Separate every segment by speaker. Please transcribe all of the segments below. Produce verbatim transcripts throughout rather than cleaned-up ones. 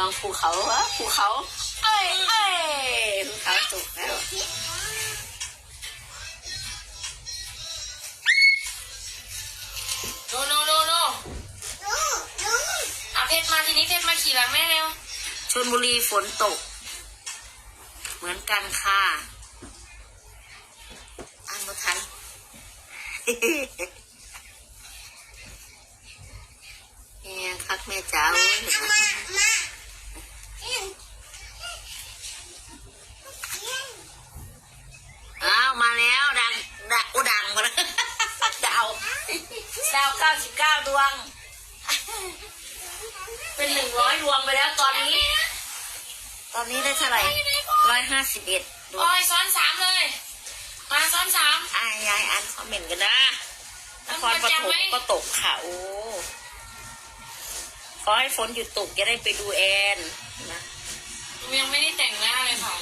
Speaker 1: องภูเขาวะภูเขาเอ้ยเอ้ยภูเขาตกแล้ว
Speaker 2: โนโนโนโนเอาเพชรมาทีนี้เพชรมาขี่หลังแม่เร็ว
Speaker 1: ชลบุรีฝนตกเหมือนกันค่ะอ่านไม่ทันแม่คักแม่จ๋าเห็นไหมอ้าวมาแล้วดังดังอุดังมาแล้วดาวดาวเก้าสิบเก้าดวงเป็นหนึ่งร้อยดวงไปแล้วตอนนี้ตอนนี้ได้เท่าไหร่ร้อยห้าสิบเอ็ดดวง
Speaker 2: โอ้ยซ้อนสามเลยมาซ้อนสาม
Speaker 1: อายยายอ่านคอมเมนต์กันนะนครปฐมก็ตกค่ะโอ้ขอให้ฝนหยุดตกจะได้ไปดูแอนนะ
Speaker 2: ยังไม่ได้แต่งหน้าเลยค่ะ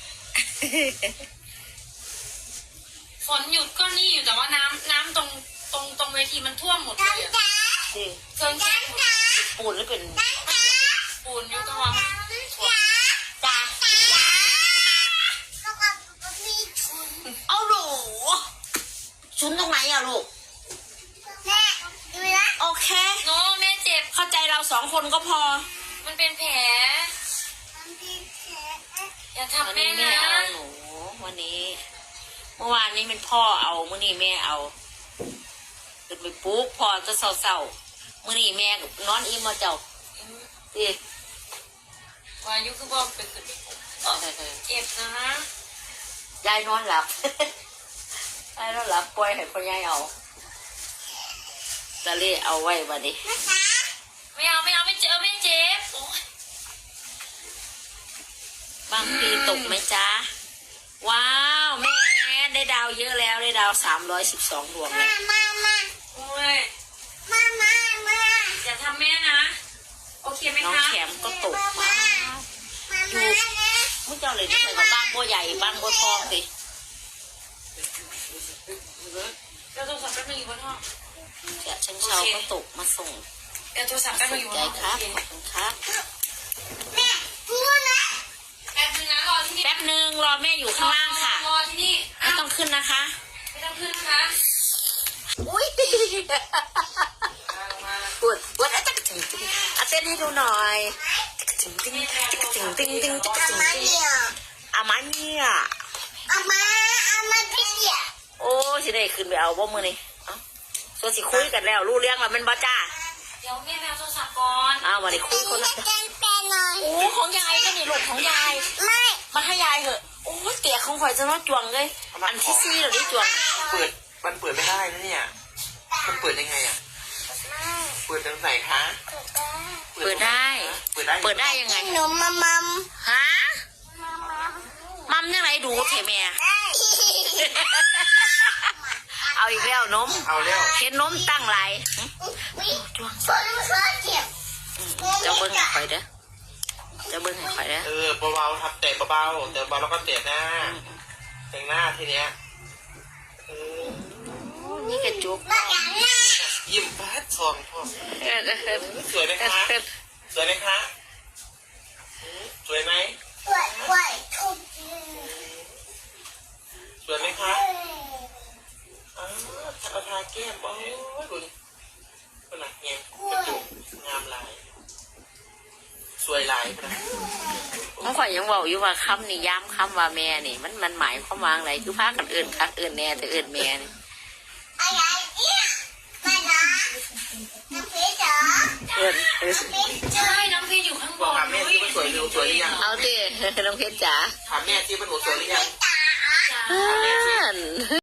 Speaker 2: ฝนหยุดก็นี่อยู่แต่ว่าน้ำน้ำตรงตรงตรงเวทีมันท่วมหมดเลยเครื่องแช่
Speaker 1: ปูนหรือเป็น
Speaker 2: ปูนอยู่ก็ว่า
Speaker 1: จ้าเอาหนูชุนตรงไหนอะลูก
Speaker 3: แม่ดูนะ
Speaker 1: โอเค
Speaker 2: โน้แม่เจ็บ
Speaker 1: เข้าใจเราสองคนก็พอ
Speaker 2: มันเป็นแผลอย่าทำแม่นะ
Speaker 1: เอาหนูวันนี้เมื่อวานนี้เป็นพ่อเอาเมื่อนี้แม่เอาขึ้นไปปุ๊บพ่อจะเศร้าๆเมื่อนี้แม่นอนอิ่มมาเจ้าดิ
Speaker 2: วายุคือบอกเป็นขึ้นเจ็บนะ
Speaker 1: ยายนอนหลับยายนอนหลับปล่อยให้พ่อยายเอาตะเล่เอาไว้บัดนี้
Speaker 2: ไม่เอาไม่เอาไม่เจอไม่เจ็บบ
Speaker 1: างปีตกไหมจ๊ะว้าวแม่ได้ดาวเยอะแล้วได้ดาวสามร้อยสิบสองดวงเลย
Speaker 3: มามา
Speaker 2: โอ้ย
Speaker 3: มามามา
Speaker 2: อย่าทำแม่นะโอเคไหมคะ
Speaker 1: น้องแขมก็ตกมาอยู่มุ้งเจ้าเลยที่ไหนกับบ้านบัวใหญ่บ้านบัวทองสิ
Speaker 2: เดี๋ยวโทรศัพท์แป๊บนึงอยู่บนห้อง
Speaker 1: เจ้าชังเชาก็ตกมาส่ง
Speaker 2: เดี๋ยวโทรศัพท์แป๊บนึงอยู่บนห้อง
Speaker 1: ครับขอบคุณครับ
Speaker 3: แม่พูดนะ
Speaker 2: แป๊บนึงนะรอที่นี่
Speaker 1: แป๊บนึงรอแม่อยู่ข้างล่างค่ะ
Speaker 2: รอที่นี่
Speaker 1: ไม่ต้องขึ้นนะคะ
Speaker 2: ไม่ต้องขึ้นนะคะ
Speaker 1: อุ้ยปวดปวดอ่ะจักถึงจริงอ่ะเต้นให้ดูหน่อยจักถึงจริงจักถึงจริงจริงจักถึงจริงอามาเนี่ย
Speaker 3: อามาอามาพี่เดีย
Speaker 1: โอ้สิได้ขึ้นไปเอาบ่มือนี่ส่วนสิคุยกันแล้วรู้เรื่องแล้วมันบ่จ้า
Speaker 2: เดี๋ยวแม่แมวโทรศัพท์ก่อน
Speaker 1: อ้าววันนี้คุยคนละโอ้ของยายก็นี่ลูกของยาย
Speaker 3: ไม่
Speaker 1: มาให้ยายเหอะโอ้เตี๋ยของข่อยจะน้อจวงเลยอันที่ซี่เหรอนี่จวง
Speaker 4: เปิดมันเปิดไม่ได้นะเนี่ยมันเปิดยังไงอ่ะเปิดตรงไหนคะ
Speaker 1: เปิดได้
Speaker 4: เปิดได้
Speaker 1: เปิดได้ยังไง
Speaker 3: หนูมัมมัม
Speaker 1: ฮะมัมยังไงดูเถอะแม่เอาอีกแล้วนม
Speaker 4: เอาแล้ว
Speaker 1: เห็นนมตั้งไหลจวงจะเบิ้งให้ข่อยเด้อจะเบิ้งให้ข่อยเด้อ
Speaker 4: เออเบาๆทับเตะเบาๆเตะเบาแล้วก็เตะหน้าแต่งหน้าทีเนี้ย
Speaker 1: นี่กระจุก
Speaker 4: ยิ้มแป๊ดซองพ่อสวยไหมคะสวยไหมคะสวยไหม
Speaker 3: สวยสวยทุก
Speaker 4: สวยไหมคะอ้าวเอาทาแก้มโอ้ยดูขนาดเงี้ยกระจุกงามลายสวยลายนะ
Speaker 1: เมื่อก่อนยังบอกอยู่ว่าคำนี่ย้ำคำว่าแม่นี่มันมันหมายความว่าอะไรคือพากันเอื่นคักเอื่นแน่แต่เอื่นแม่นี่
Speaker 3: อะไรเนี่ยมาดาน้ำเพชรเหรอ
Speaker 1: เอื่น
Speaker 2: ใช่น้องเพชรอยู่ข้างบน
Speaker 4: ถามแม่ที่มันสวยหรือสวยหรือยัง
Speaker 1: เอาดิน้องเพชรจ๋า
Speaker 4: ถามแม่ที่มันสวยหรือยัง
Speaker 3: ตา